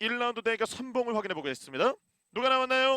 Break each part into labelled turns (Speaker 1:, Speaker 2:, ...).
Speaker 1: 1라운드 대결 선봉을 확인해 보겠습니다. 누가 나왔나요?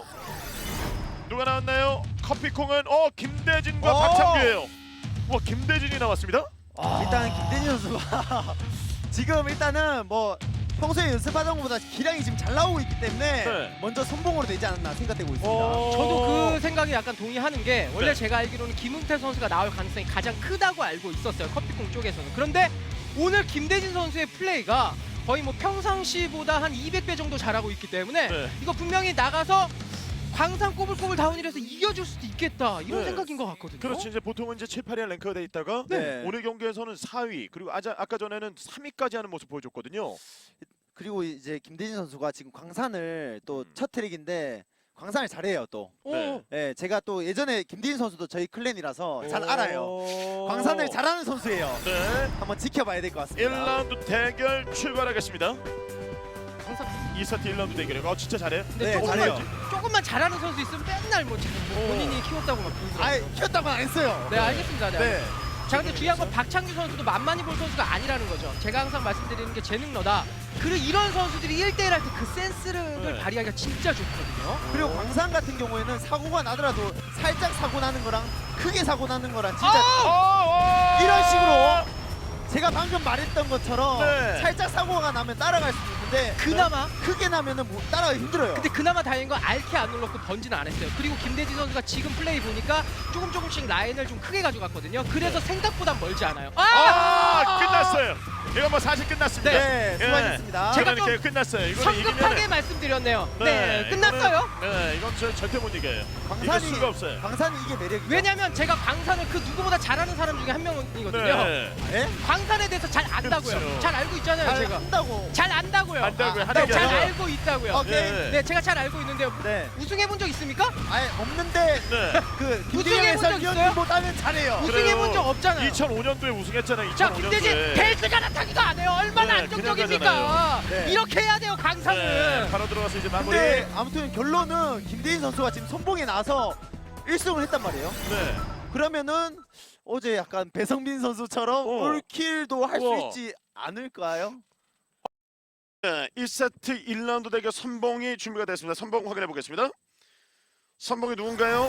Speaker 1: 누가 나왔나요? 커피콩은 김대진과 박창규예요. 와, 김대진이 나왔습니다.
Speaker 2: 일단 김대진 선수가 지금 일단은 뭐 평소에 연습하던 것보다 기량이 지금 잘 나오고 있기 때문에
Speaker 1: 네.
Speaker 2: 먼저 선봉으로 되지 않았나 생각되고 있습니다.
Speaker 3: 저도 그 생각에 약간 동의하는 게 원래
Speaker 1: 네.
Speaker 3: 제가 알기로는 김은태 선수가 나올 가능성이 가장 크다고 알고 있었어요. 커피콩 쪽에서는. 그런데 오늘 김대진 선수의 플레이가 거의 뭐 평상시보다 한 200배 정도 잘하고 있기 때문에
Speaker 1: 네.
Speaker 3: 이거 분명히 나가서 광산 꼬불꼬불 다운이라서 이겨줄 수도 있겠다 이런
Speaker 1: 네.
Speaker 3: 생각인 것 같거든요.
Speaker 1: 그렇지. 이제 보통은 이제 7, 8위에 랭크가 돼 있다가
Speaker 2: 네.
Speaker 1: 오늘 경기에서는 4위 그리고 아까 전에는 3위까지 하는 모습 보여줬거든요.
Speaker 2: 그리고 이제 김대진 선수가 지금 광산을 또 첫 트랙인데 광산을 잘해요 또.
Speaker 1: 네.
Speaker 2: 네, 제가 또 예전에 김대진 선수도 저희 클랜이라서 잘 알아요. 광산을 잘하는 선수예요.
Speaker 1: 네.
Speaker 2: 한번 지켜봐야 될 것 같습니다.
Speaker 1: 1라운드 대결 출발하겠습니다.
Speaker 3: 광산
Speaker 1: 2세트 1라운드 대결이에요. 진짜 잘해.
Speaker 3: 근데
Speaker 2: 네, 잘해요.
Speaker 3: 조금만 잘하는 선수 있으면 맨날 뭐 본인이 키웠다고 막
Speaker 2: 아예
Speaker 3: 그러더라고요.
Speaker 2: 키웠다고는 안 했어요.
Speaker 3: 네, 알겠습니다. 네.
Speaker 2: 네.
Speaker 3: 자, 근데 중요한 건 박창규 선수도 만만히 볼 선수가 아니라는 거죠. 제가 항상 말씀드리는 게 재능러다. 그리고 이런 선수들이 1대1 할 때 그 센스를
Speaker 1: 네.
Speaker 3: 발휘하기가 진짜 좋거든요.
Speaker 2: 그리고 광산 같은 경우에는 사고가 나더라도 살짝 사고 나는 거랑 크게 사고 나는 거랑 진짜 이런 식으로 제가 방금 말했던 것처럼
Speaker 1: 네.
Speaker 2: 살짝 사고가 나면 따라갈 수 있는데
Speaker 3: 그나마
Speaker 2: 크게 나면은 뭐 따라가기 힘들어요.
Speaker 3: 근데 그나마 다행인 건 알키 안 눌렀고 번지는 안 했어요. 그리고 김대진 선수가 지금 플레이 보니까 조금씩 라인을 좀 크게 가져갔거든요. 그래서 생각보다 멀지 않아요.
Speaker 1: 끝났어요. 이거 뭐 사실 끝났습니다.
Speaker 2: 네,
Speaker 1: 예.
Speaker 2: 수고하셨습니다.
Speaker 3: 제가
Speaker 1: 그러니까 끝났어요. 이거는
Speaker 3: 성급하게
Speaker 1: 이기면은
Speaker 3: 말씀드렸네요. 네, 끝났어요.
Speaker 1: 네, 이건 절대 못 이겨요. 이길 수가 없어요.
Speaker 2: 광산이 이게 매력이죠.
Speaker 3: 왜냐면 제가 광산을 그 누구보다 잘하는 사람 중에 한 명이거든요.
Speaker 1: 네.
Speaker 2: 예?
Speaker 3: 광산에 대해서 잘 안다고요.
Speaker 1: 그렇죠.
Speaker 3: 잘 알고 있잖아요,
Speaker 2: 잘
Speaker 3: 제가.
Speaker 2: 한다고.
Speaker 3: 잘 안다고요.
Speaker 1: 안다고요.
Speaker 2: 아,
Speaker 1: 하는 게
Speaker 3: 잘
Speaker 1: 아니라.
Speaker 3: 알고 있다고요.
Speaker 2: 오케이.
Speaker 1: 네.
Speaker 3: 네, 제가 잘 알고 있는데요.
Speaker 2: 네.
Speaker 3: 우승해본 적 있습니까?
Speaker 2: 아예 없는데
Speaker 1: 네.
Speaker 2: 그
Speaker 3: 우승해본
Speaker 2: 김대영
Speaker 3: 적 있어요?
Speaker 2: 해설위원님보다는 잘해요.
Speaker 3: 우승해본 적 없잖아요.
Speaker 1: 2005년도에 우승했잖아요.
Speaker 3: 자,
Speaker 1: 2005년도에.
Speaker 3: 김대진 벨트가 나타기가 안 해요. 얼마나
Speaker 1: 네,
Speaker 3: 안정적입니까?
Speaker 1: 그냥
Speaker 2: 네.
Speaker 3: 이렇게 해야 돼요, 강산은.
Speaker 1: 네, 바로 들어가서 이제 마무리.
Speaker 2: 근데 아무튼 결론은 김대인 선수가 지금 선봉에 나서 1승을 했단 말이에요.
Speaker 1: 네.
Speaker 2: 그러면은 어제 약간 배성민 선수처럼 올킬도 할 수
Speaker 1: 우와.
Speaker 2: 있지 않을까요?
Speaker 1: 네, 1세트 1라운드 대결 선봉이 준비가 됐습니다. 선봉 확인해 보겠습니다. 선봉이 누군가요?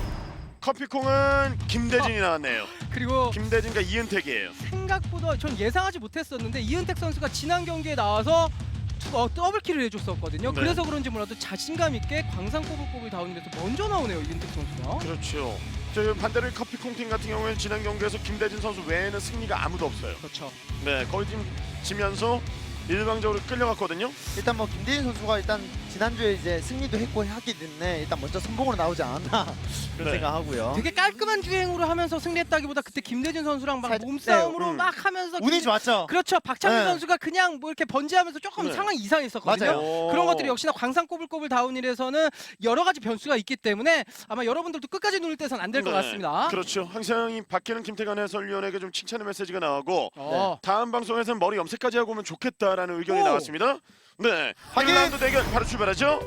Speaker 1: 커피콩은 김대진이 나왔네요.
Speaker 3: 그리고
Speaker 1: 김대진과 이은택이에요.
Speaker 3: 생각보다 전 예상하지 못했었는데 이은택 선수가 지난 경기에 나와서 더블킬을 해줬었거든요.
Speaker 1: 네.
Speaker 3: 그래서 그런지 몰라도 자신감 있게 광산 꼬불꼬불 다운돼서 먼저 나오네요, 이은택 선수가.
Speaker 1: 그렇죠. 저 반대로 커피콩 팀 같은 경우에는 지난 경기에서 김대진 선수 외에는 승리가 아무도 없어요.
Speaker 3: 그렇죠.
Speaker 1: 네, 거의 지금 지면서 일방적으로 끌려갔거든요.
Speaker 2: 일단 뭐 김대인 선수가 일단 지난주에 이제 승리도 했고 하기 때문에 일단 먼저 선봉으로 나오지 않았나 그런
Speaker 1: 네.
Speaker 2: 생각하고요.
Speaker 3: 되게 깔끔한 주행으로 하면서 승리했다기보다 그때 김대진 선수랑 막
Speaker 2: 살짝-
Speaker 3: 몸싸움으로
Speaker 1: 네,
Speaker 3: 막 하면서
Speaker 2: 운이 좋았죠.
Speaker 3: 그렇죠. 박창규
Speaker 2: 네.
Speaker 3: 선수가 그냥 뭐 이렇게 번지하면서 조금
Speaker 1: 네.
Speaker 3: 상황이 이상했었거든요.
Speaker 2: 맞아요.
Speaker 3: 그런 것들이 역시나 광산 꼬불꼬불 다운힐에서는 여러 가지 변수가 있기 때문에 아마 여러분들도 끝까지 누릴 때선 안 될 것
Speaker 1: 네,
Speaker 3: 같습니다.
Speaker 1: 그렇죠. 항상 이 박기는 김태관 해설위원에게 좀 칭찬의 메시지가 나오고
Speaker 3: 어.
Speaker 1: 다음 방송에서는 머리 염색까지 하고 오면 좋겠다라는 의견이
Speaker 3: 오.
Speaker 1: 나왔습니다. 네,
Speaker 2: 확인!
Speaker 1: 1라운드 대결 바로 출발하죠.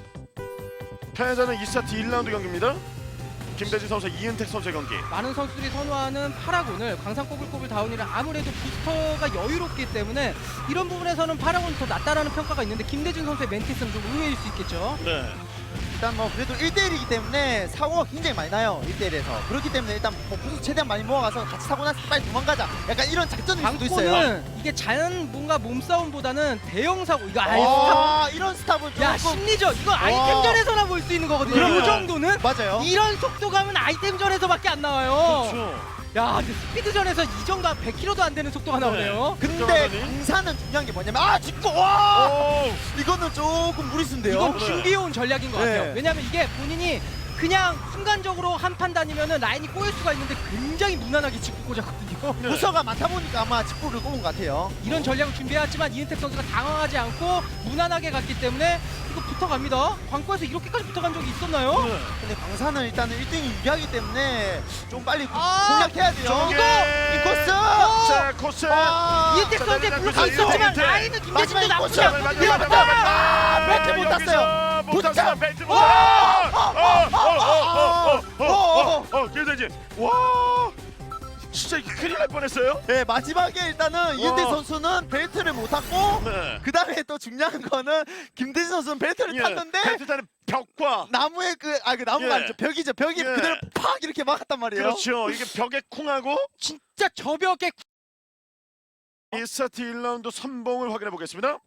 Speaker 1: 패자는 2세트 1라운드 경기입니다. 김대진 선수, 이은택 선수의 경기.
Speaker 3: 많은 선수들이 선호하는 파라곤을 광산 꼬불꼬불 다운힐은 아무래도 부스터가 여유롭기 때문에 이런 부분에서는 파라곤이 더 낫다라는 평가가 있는데 김대진 선수의 멘티스는 좀 의외일 수 있겠죠.
Speaker 1: 네,
Speaker 2: 일단 뭐 그래도 1대1이기 때문에 사고가 굉장히 많이 나요. 1대1에서. 그렇기 때문에 일단 뭐 부수 최대한 많이 모아가서 같이 사고 나서 빨리 도망가자. 약간 이런 작전일 수도 있어요.
Speaker 3: 광고는 이게 자연 뭔가 몸싸움보다는 대형 사고 이거 아예 스탑.
Speaker 2: 아, 이런 스탑은
Speaker 3: 야
Speaker 2: 조금
Speaker 3: 심리전 이거 아이템전에서나 볼 수 있는 거거든요.
Speaker 1: 그러네.
Speaker 3: 이 정도는
Speaker 2: 맞아요.
Speaker 3: 이런 속도감은 아이템전에서밖에 안 나와요.
Speaker 1: 그렇죠.
Speaker 3: 야 근데 스피드전에서 이 정도 한 100km도 안 되는 속도가 나오네요.
Speaker 2: 근데
Speaker 1: 그러더니?
Speaker 2: 강사는 중요한 게 뭐냐면 짚고 와!
Speaker 1: 오,
Speaker 2: 이거는 조금 무리수인데요.
Speaker 3: 이건
Speaker 1: 네.
Speaker 3: 준비해온 전략인 것
Speaker 2: 네.
Speaker 3: 같아요. 왜냐면 이게 본인이 그냥 순간적으로 한 판 다니면은 라인이 꼬일 수가 있는데 굉장히 무난하게 짚고 꽂았거든요.
Speaker 1: 네.
Speaker 2: 부서가 많다 보니까 아마 직구를 꼽은 것 같아요.
Speaker 3: 이런 전략을 준비해왔지만 이은택 선수가 당황하지 않고 무난하게 갔기 때문에 이거 붙어갑니다. 광고에서 이렇게까지 붙어간 적이 있었나요?
Speaker 1: 네.
Speaker 2: 근데 강사는 일단은 1등이 유리하기 때문에 좀 빨리
Speaker 3: 아,
Speaker 2: 공략해야 돼요.
Speaker 1: 저게!
Speaker 2: 이 코스!
Speaker 1: 자, 코스.
Speaker 3: 이은택 선수의
Speaker 1: 자,
Speaker 3: 블록이
Speaker 1: 자,
Speaker 3: 있었지만
Speaker 1: 이은택.
Speaker 3: 라인은 김대진도
Speaker 2: 마지막에
Speaker 3: 나쁘지
Speaker 2: 꽂혀요.
Speaker 3: 않거든요.
Speaker 2: 아, 벨트 못 땄어요.
Speaker 1: 못 땄어요. 벨트 못 땄어요. 김대진. 와, 진짜 큰일 날 뻔했어요.
Speaker 2: 네, 마지막에 일단은 이은태 선수는 벨트를 못 탔고
Speaker 1: 네.
Speaker 2: 그 다음에 또 중요한 거는 김대진 선수는 벨트를
Speaker 1: 예,
Speaker 2: 탔는데
Speaker 1: 벨트타는 벽과
Speaker 2: 나무에 그 나무가
Speaker 1: 예.
Speaker 2: 아니죠, 벽이죠. 벽이
Speaker 1: 예.
Speaker 2: 그대로 팍 이렇게 막았단 말이에요.
Speaker 1: 그렇죠. 이게 벽에 쿵하고
Speaker 3: 진짜 저벽에
Speaker 1: 1세트 1라운드 선봉을 확인해 보겠습니다.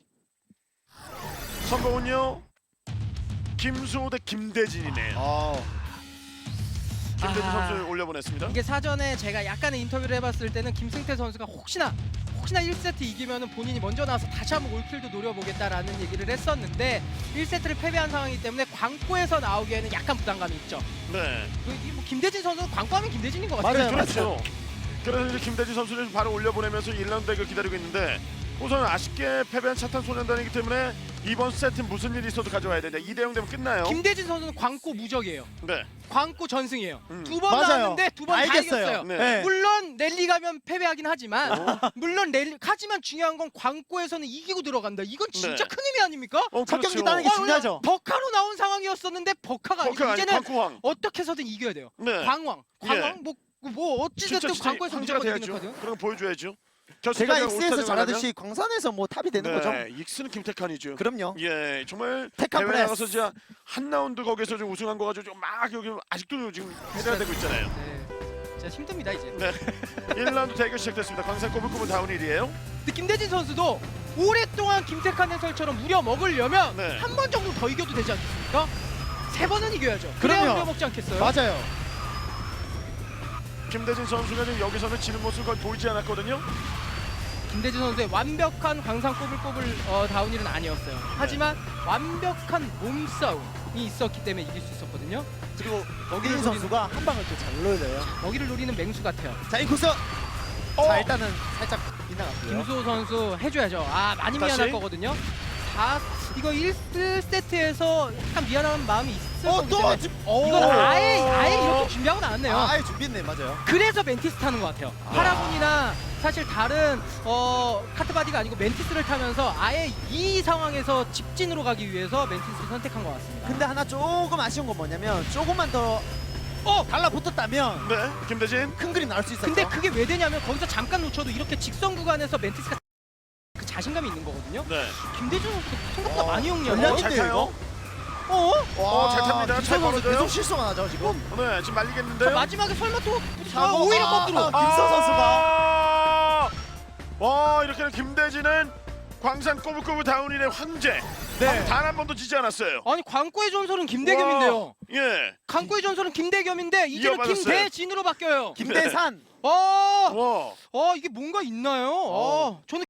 Speaker 1: 선봉은요. 김수호 대 김대진이네요. 김대진
Speaker 3: 아.
Speaker 1: 선수 올려보냈습니다.
Speaker 3: 이게 사전에 제가 약간의 인터뷰를 해봤을 때는 김승태 선수가 혹시나 1세트 이기면은 본인이 먼저 나와서 다시 한번 올킬도 노려보겠다라는 얘기를 했었는데 1세트를 패배한 상황이기 때문에 광고에서 나오기에는 약간 부담감이 있죠.
Speaker 1: 네.
Speaker 3: 뭐 김대진 선수는 광고하면 김대진인 것 같아요.
Speaker 2: 맞아요.
Speaker 1: 그렇죠. 그래서 이제 김대진 선수를 바로 올려보내면서 1라운드 대결 기다리고 있는데 우선 아쉽게 패배한 차탄 소년단이기 때문에 이번 세트 무슨 일이 있어도 가져와야 되냐. 2대0 되면 끝나요.
Speaker 3: 김대진 선수는 광고 무적이에요.
Speaker 1: 네.
Speaker 3: 광고 전승이에요.
Speaker 1: 음.
Speaker 3: 두 번
Speaker 2: 맞아요.
Speaker 3: 나왔는데 두 번 다
Speaker 2: 알겠어요.
Speaker 3: 이겼어요.
Speaker 1: 네.
Speaker 2: 네.
Speaker 3: 물론 랠리 가면 패배하긴 하지만
Speaker 1: 어?
Speaker 3: 하지만 중요한 건 광고에서는 이기고 들어간다. 이건 진짜
Speaker 1: 네.
Speaker 3: 큰 의미 아닙니까?
Speaker 2: 첫 경기
Speaker 1: 그렇죠.
Speaker 2: 따는 게 중요하죠.
Speaker 3: 버카로 나온 상황이었었는데 버카가 아니고
Speaker 1: 버카 아니
Speaker 3: 이제는
Speaker 1: 광고왕.
Speaker 3: 어떻게 해서든 이겨야 돼요.
Speaker 1: 네.
Speaker 3: 광왕 뭐 어찌됐든
Speaker 1: 진짜
Speaker 3: 광고에서
Speaker 1: 황제가
Speaker 3: 무조건 이기는
Speaker 1: 돼야죠.
Speaker 3: 거죠.
Speaker 1: 그런 거 보여줘야죠.
Speaker 2: 제가
Speaker 1: 결승까지
Speaker 2: 익스에서
Speaker 1: 올스타전
Speaker 2: 잘하듯이 광산에서 뭐 탑이 되는 거죠.
Speaker 1: 네. 익스는 김태칸이죠.
Speaker 2: 그럼요.
Speaker 1: 예, 정말
Speaker 2: 테칸
Speaker 1: 대회
Speaker 2: 프레스.
Speaker 1: 나가서 진짜 한 라운드 거기서 좀 우승한 거 가지고 막 여기 아직도 지금 해야 되고 있잖아요.
Speaker 3: 네. 진짜 힘듭니다 이제.
Speaker 1: 네. 1라운드 대결 시작됐습니다. 광산 꼬불꼬불 다운힐이에요.
Speaker 3: 근데 김대진 선수도 오랫동안 김태칸 해설처럼 무려 먹으려면
Speaker 1: 네.
Speaker 3: 한 번 정도 더 이겨도 되지 않겠습니까? 3번은 이겨야죠. 그래야
Speaker 2: 그럼요.
Speaker 3: 우려 먹지 않겠어요?
Speaker 2: 맞아요.
Speaker 1: 김대진 선수가 지금 여기서는 지는 모습 거의 보이지 않았거든요.
Speaker 3: 김대진 선수의 완벽한 광산 꼬불꼬불 다운힐은 아니었어요. 하지만 완벽한 몸싸움이 있었기 때문에 이길 수 있었거든요.
Speaker 2: 그리고 먹이린 선수가 한 방을 또 잘 노려요.
Speaker 3: 먹이를 노리는 맹수 같아요.
Speaker 2: 자, 이 코스. 자, 일단은 살짝 빗나갔고요.
Speaker 3: 김수호 선수 해줘야죠. 많이
Speaker 1: 다시?
Speaker 3: 미안할 거거든요. 이거 1세트에서 약간 미안한 마음이 있을 거기
Speaker 2: 또
Speaker 3: 때문에
Speaker 2: 지금
Speaker 3: 이건 아예 이렇게 준비하고 나왔네요.
Speaker 2: 아예 준비했네, 맞아요.
Speaker 3: 그래서 멘티스 타는 것 같아요. 파라곤이나 사실 다른 카트바디가 아니고 멘티스를 타면서 아예 이 상황에서 직진으로 가기 위해서 멘티스를 선택한 것 같습니다.
Speaker 2: 근데 하나 조금 아쉬운 건 뭐냐면 조금만 더 달라붙었다면
Speaker 1: 네, 김대진.
Speaker 2: 큰 그림 나올 수 있었죠.
Speaker 3: 근데 그게 왜 되냐면 거기서 잠깐 놓쳐도 이렇게 직선 구간에서 멘티스가 그 자신감이 있는 거거든요.
Speaker 1: 네.
Speaker 3: 김대중 선수 생각보다 많이
Speaker 2: 전략이
Speaker 3: 용이하고
Speaker 1: 잘
Speaker 2: 근데
Speaker 1: 타요.
Speaker 2: 와,
Speaker 1: 잘 탑니다. 잘
Speaker 2: 김선 선수
Speaker 1: 걸어줘요.
Speaker 2: 계속 실수가 나죠, 지금.
Speaker 1: 네, 지금 말리겠는데요.
Speaker 3: 마지막에 설마 또
Speaker 2: 사고,
Speaker 3: 오히려 거꾸로
Speaker 2: 김선 선수가.
Speaker 1: 와, 이렇게는 김대진은 광산 꼬불꼬불 다운힐의 황제.
Speaker 2: 네.
Speaker 1: 단 한 번도 지지 않았어요.
Speaker 3: 아니 광고의 전설은 김대겸인데요.
Speaker 1: 예.
Speaker 3: 광고의 전설은 김대겸인데 이제는
Speaker 1: 이어받았어요.
Speaker 3: 김대진으로 바뀌어요.
Speaker 2: 김대산.
Speaker 1: 와.
Speaker 3: 이게 뭔가 있나요? 저는